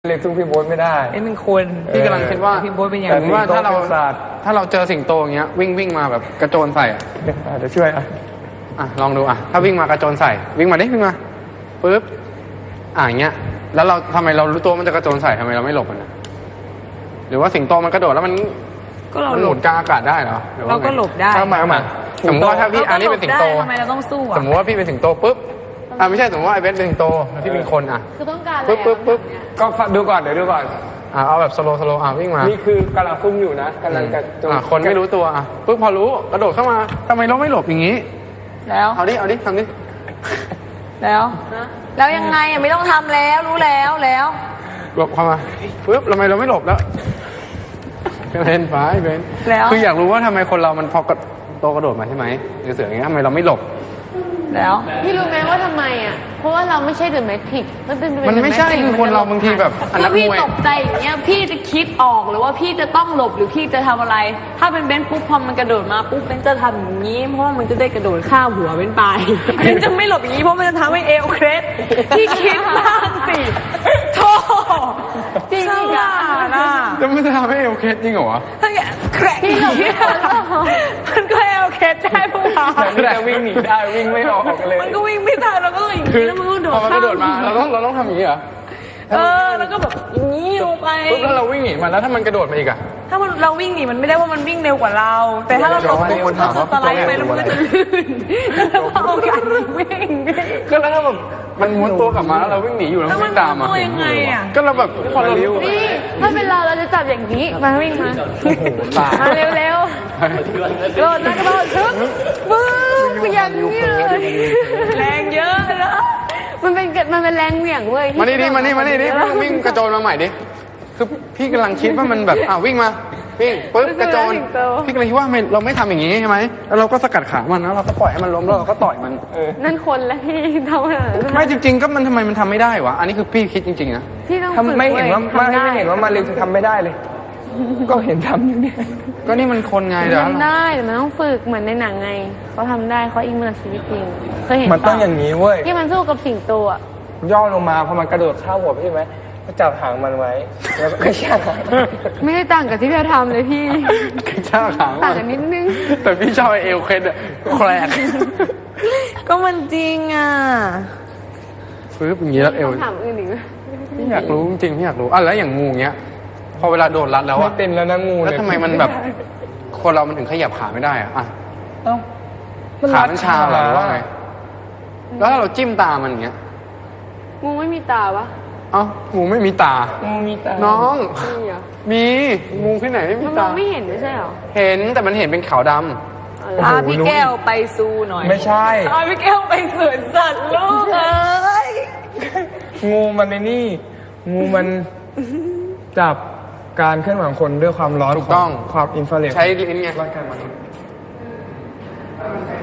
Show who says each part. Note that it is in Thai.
Speaker 1: เล็กสู้พี่โบ๊ทไม่ได้
Speaker 2: เป็นคน
Speaker 3: พี่กำลังคิดว่า
Speaker 2: พี่โบ๊ทเป็นอย่าง
Speaker 3: แต่ว่าถ้าเรา
Speaker 1: ศ
Speaker 3: เจอสิงโตอย่างเงี้ยวิ่งมาแบบกระโจนใส่อะ
Speaker 1: เดี๋ยวช่วย
Speaker 3: ลองดูถ้าวิ่งมากระโจนใส่วิ่งมาดิวิ่งมาปึ๊บอย่างเงี้ยแล้วเราทำไมเรารู้ตัวมันจะกระโจนใส่ทำไมเราไม่หลบมันนะหรือว่าสิงโตมันกระโดดแล้วมันหมุนกลางอากาศได้เหรอ
Speaker 2: เราก็หลบได้
Speaker 1: เอามา
Speaker 3: สมมติว่าถ้าพี่อันนี้เป็นสิงโต
Speaker 2: ทำไมเราต้องสู้
Speaker 3: สมมติว่าพี่เป็นสิงโตปุ๊บไม่ใช่สมมติว่าไอ้เบสเป็นสิงโตแล้วพี่เป็นคน
Speaker 4: คือต้องการอะไร
Speaker 3: ปึ๊บ
Speaker 1: ก็ดูก่อนเดี๋ยวดูก่อน
Speaker 3: เอาแบบสโลวิ่งมา
Speaker 1: นี่คือกำลังซุ่มอยู่นะกำลังจะ
Speaker 3: คนไม่รู้ตัวปึ๊บพอรู้กระโดดเข้ามาทำไมเราไม่หลบอย่างนี้
Speaker 2: แล้ว
Speaker 3: เอาดิทำดิ
Speaker 2: แล้วยังไงไม่ต้องทำแล้วรู้แล้ว
Speaker 3: หลบเข้ามาปึ๊บทำไมเราไม่หลบแล้วเป็นฟ้าเป็นคืออยากรู้ว่าทำไมคนเรามันพอกระโดดมาใช่ไหมเสืออย่างเงี้ยทำไมเราไม่หลบ
Speaker 2: แล้ว
Speaker 4: พี่รู้ไหมว่าทำไมเพราะว่าเราไม่ใช่เดอะแมทริก
Speaker 3: มันไม่ใช่คือคนเราบางทีแบบ
Speaker 4: ถ้าพี่ตกใจอย่างเงี้ยพี่จะคิดออกหรือว่าพี่จะต้องหลบหรือพี่จะทำอะไรถ้าเป็นเบนปุ๊บพอมันกระโดดมาปุ๊บเบนจะทำอย่างนี้เพราะว่ามันจะได้กระโดดข้ามหัวเบนไปเบนจะไม่หลบอย่างนี้เพราะมันจะทำให้เอวเคล็ดพี่คิดบ้างสิโธ่จริงอ่ะ
Speaker 3: จะไม่จะทำให้เอวเคล็ดจริงเหรอ
Speaker 4: พี่หลบ
Speaker 2: มันก็เอวเคล็ดได้พวกเรา
Speaker 1: จะวิ่งหนีได้วิ่งไม่ออกเลย
Speaker 2: มันก็วิ่งไม่ได้เราก็ต้องอย่างนี้แล้วมันก็โดด
Speaker 3: พอมันกระโดดมาเราต้องทำอย่างนี้เหรอ
Speaker 2: แล้วก็แบบอย่างนี้ลงไป
Speaker 3: ปุ๊บแล้วเราวิ่งหนีมันแล้วถ้ามันกระโดดมาอีก
Speaker 2: ถ้าเราวิ่งหนีมันไม่ได้ว่ามันวิ่งเร็วกว่าเราแต่ถ้าเราตกมันจะสไลด์ไปแล้วมันก็จะลื่นแล้วพอโอกาสวิ่ง
Speaker 3: ก็แล้วถ้าแบบมันม้วนตัวกลับมาแล้วเราวิ่งหนีอยู่แล้ววิ่งตาม
Speaker 2: ยังไง
Speaker 3: ก็เราแบบพอเรา
Speaker 4: นี่ถ้าเป็นเราจะจับอย่างนี้มาวิ่งมาเร็วๆโดดนะกระโดดทึบบึ้งอย่างนี้เลย
Speaker 2: แรงเยอะนะ
Speaker 4: มันเป็นแรงเหวี่ยงเว้ย
Speaker 3: มานี่ดิวิ่งกระโจนมาใหม่ดิคือพี่กำลังคิดว่ามันแบบวิ่งมาวิ่งปึ๊บกระโจนพี่กำลังคิดว่าเราไม่ทำอย่างนี้ใช่ไหมแล้วเราก็สกัดขามันแล้วเราก็ปล่อยให้มันล้มแล้วเราก็ต่อยมัน
Speaker 4: นั่นคนแล้วที่ทำ
Speaker 3: ไม่จริงๆก็มันทำไมมันทำไม่ได้วะอันนี้คือพี่คิดจริงๆนะ
Speaker 4: พี่ต้องฝึก
Speaker 1: ไม่เห็นว่ามาเร็วทำไม่ได้เลยก็เห็นทำอยู่เนี่ย
Speaker 3: ก็นี่มันคนไงเดี๋ยว
Speaker 4: ทำได้แต่มันต้องฝึกเหมือนในหนังไงเขาทำได้เขาอิงมาชีวิตจริงเคยเห็น
Speaker 1: มันต้องอย่างนี้เว้ย
Speaker 4: ที่มันสู้กับสิงโต
Speaker 1: ย่อลงมาพอมันกระโดดข้าวหัวใช่ไหมก็จับหางมันไว้แล้วก็กระชาก
Speaker 4: ไม่ได้ต่างกับที่เราทำเลยพี่
Speaker 3: กระชากหาง
Speaker 4: ต่างกันนิดนึง
Speaker 3: แต่พี่ชอบเอลเคสแคลก
Speaker 2: ก็มันจริง
Speaker 3: ฟื้นอย่างนี้แล้วเอว
Speaker 4: ถามอื่นอีก
Speaker 3: พี่อยากรู้จริงพี่อยากรู้แล้วอย่างงูเงี้ยพอเวลาโดนรัดแล้ว
Speaker 1: ไม่เป็นแล้วนะงู
Speaker 3: แล้วทำไมมันแบบคนเรามันถึงขยับขาไม่ได้ขามันชาหรือว่าไงแล้วถ้าเราจิ้มตามันอย่างเงี้ย
Speaker 4: งูไม่มีตาปะ
Speaker 3: งูไม่มีตา
Speaker 1: งูมีตา
Speaker 3: น้องมีงูที่ไหนไม่มีตา
Speaker 4: ไม่เห็นไม่ใช่หรอ
Speaker 3: เห็นแต่มันเห็นเป็นขาวดำ
Speaker 2: พี่แก้วไปซูหน่อย
Speaker 1: ไม่ใช่
Speaker 2: พี่แก้วไปสวนสัตว์ลูก
Speaker 1: งูมันในนี่งูมันจับการเคลื่อนไหวของคนด้วยความร้อน
Speaker 3: ถูกต้อง
Speaker 1: ความอินฟราเรด
Speaker 3: ใช้ลิ้นไง